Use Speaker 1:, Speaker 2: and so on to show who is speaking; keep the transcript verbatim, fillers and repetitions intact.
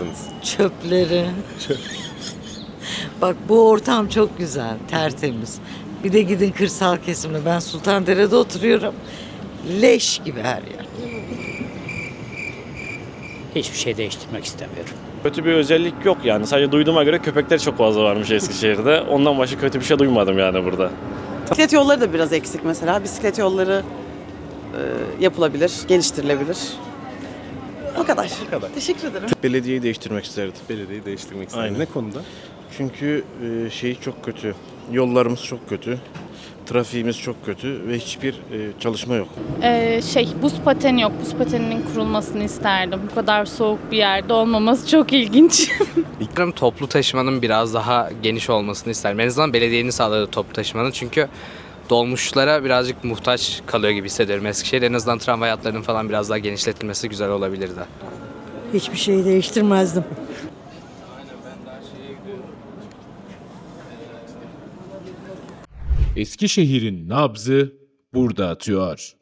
Speaker 1: yapardınız?
Speaker 2: Çöpleri. Bak bu ortam çok güzel, tertemiz. Bir de gidin kırsal kesimde. Ben Sultandere'de oturuyorum. Leş gibi her yer.
Speaker 3: Hiçbir şey değiştirmek istemiyorum.
Speaker 4: Kötü bir özellik yok yani. Sadece duyduğuma göre köpekler çok fazla varmış Eskişehir'de. Ondan başka kötü bir şey duymadım yani burada.
Speaker 5: Bisiklet yolları da biraz eksik mesela. Bisiklet yolları e, yapılabilir, geliştirilebilir. O kadar.
Speaker 1: Bu kadar.
Speaker 5: Teşekkür ederim.
Speaker 6: Belediyeyi değiştirmek isterdim.
Speaker 1: Belediyeyi değiştirmek istedim.
Speaker 6: Aynen.
Speaker 1: Ne konuda?
Speaker 6: Çünkü e, şey çok kötü. Yollarımız çok kötü. Trafiğimiz çok kötü ve hiçbir e, çalışma yok.
Speaker 7: Ee, şey buz pateni yok. Buz pateninin kurulmasını isterdim. Bu kadar soğuk bir yerde olmaması çok ilginç.
Speaker 8: İkram toplu taşımanın biraz daha geniş olmasını isterim. En azından belediyenin sağladığı toplu taşımanın, çünkü dolmuşlara birazcık muhtaç kalıyor gibi hissediyorum Eskişehir. En azından tramvay hatlarının falan biraz daha genişletilmesi güzel olabilirdi.
Speaker 2: Hiçbir şeyi değiştirmezdim.
Speaker 9: Eskişehir'in nabzı burada atıyor.